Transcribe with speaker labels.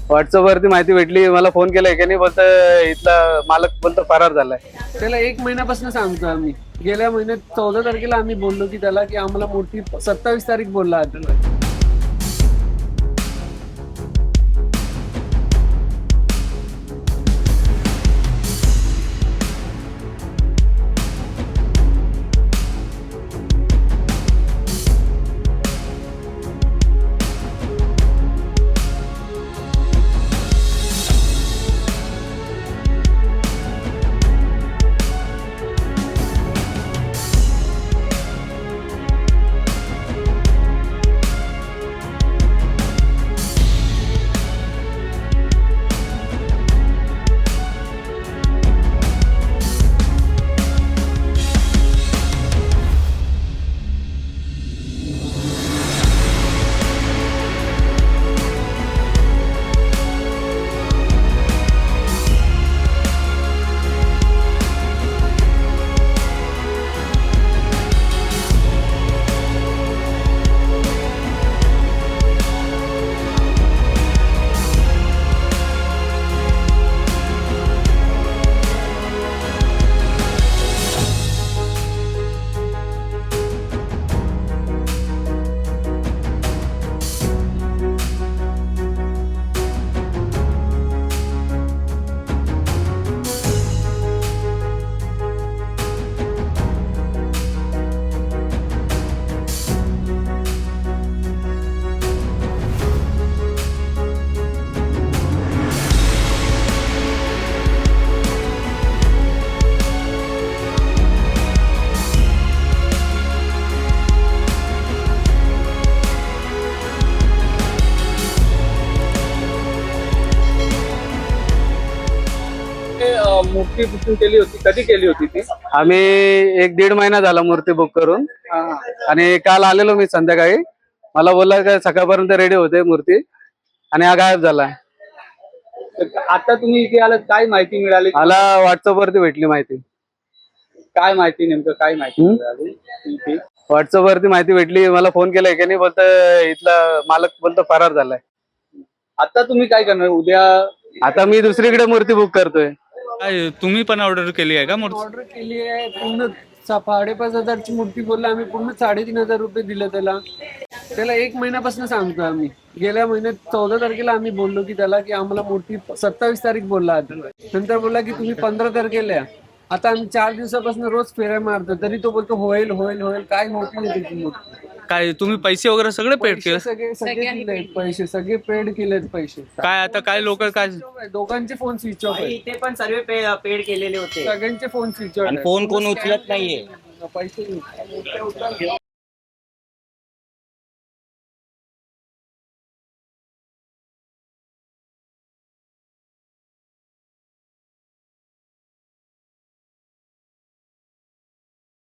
Speaker 1: WhatsApp वरती माहिती भेटली, मला फोन केलाय की नाही बोलत इथला मालक बोलतो फरार झालाय.
Speaker 2: त्याला 1 महिन्यापासून सांगतो आम्ही. गेल्या महिन्यात 14 तारखेला आम्ही बोललो की त्याला की आम्हाला मूर्ती 27 तारीख बोलला आता.
Speaker 3: मूर्ती बुकिंग केली होती, कधी केली होती ती?
Speaker 1: आम्ही 1-1.5 महिना झाला मूर्ती बुक करून. आणि काल आलेलो मी संध्याकाळी. मला बोलला का सकाळपर्यंत रेडी होते मूर्ती, आणि हा गायब झाला.
Speaker 3: आता तुम्ही इथे आलात, काय माहिती मिळाली?
Speaker 1: मला व्हॉट्सअप वरती भेटली माहिती.
Speaker 3: काय माहिती, नेमकं काय माहिती मिळाली इथे?
Speaker 1: व्हॉट्सअप वरती माहिती भेटली, मला फोन केलाय की नाही बोलत इथला मालक बोलतो फरार झालाय.
Speaker 3: आता तुम्ही काय करणार उद्या?
Speaker 1: आता मी दुसरीकडे मूर्ती बुक करतोय.
Speaker 4: काय तुम्ही पण ऑर्डर केली आहे का मूर्ती?
Speaker 2: ऑर्डर केली आहे पूर्ण 5,500ची मूर्ती बोलला आम्ही, पूर्ण 3,500 रुपये दिले त्याला. त्याला 1 महिन्यापासून सांगतो आम्ही. गेल्या महिन्यात 14 तारखेला आम्ही बोललो की त्याला की आम्हाला मूर्ती 27 तारीख बोलला आता. नंतर बोलला की तुम्ही 15 तारखेला या. आता आम्ही 4 दिवसापासून रोज फेऱ्या मारतो, तरी तो बोलतो होईल होईल होईल, काय होत नाही त्याची मूर्ती.
Speaker 4: काय तुम्ही पैसे वगैरे सगळे पेड केले?
Speaker 2: सगळे दिलेत पैसे, सगळे पेड केलेत पैसे.
Speaker 4: काय आता काय लोक काय
Speaker 2: दोघांचे फोन स्विच ऑफ आहे.
Speaker 5: इथे पण सर्व पेड केलेले होते.
Speaker 2: सगळ्यांचे फोन स्विच ऑफ आहे.
Speaker 5: फोन कोण उचलत नाहीये.
Speaker 2: पैसे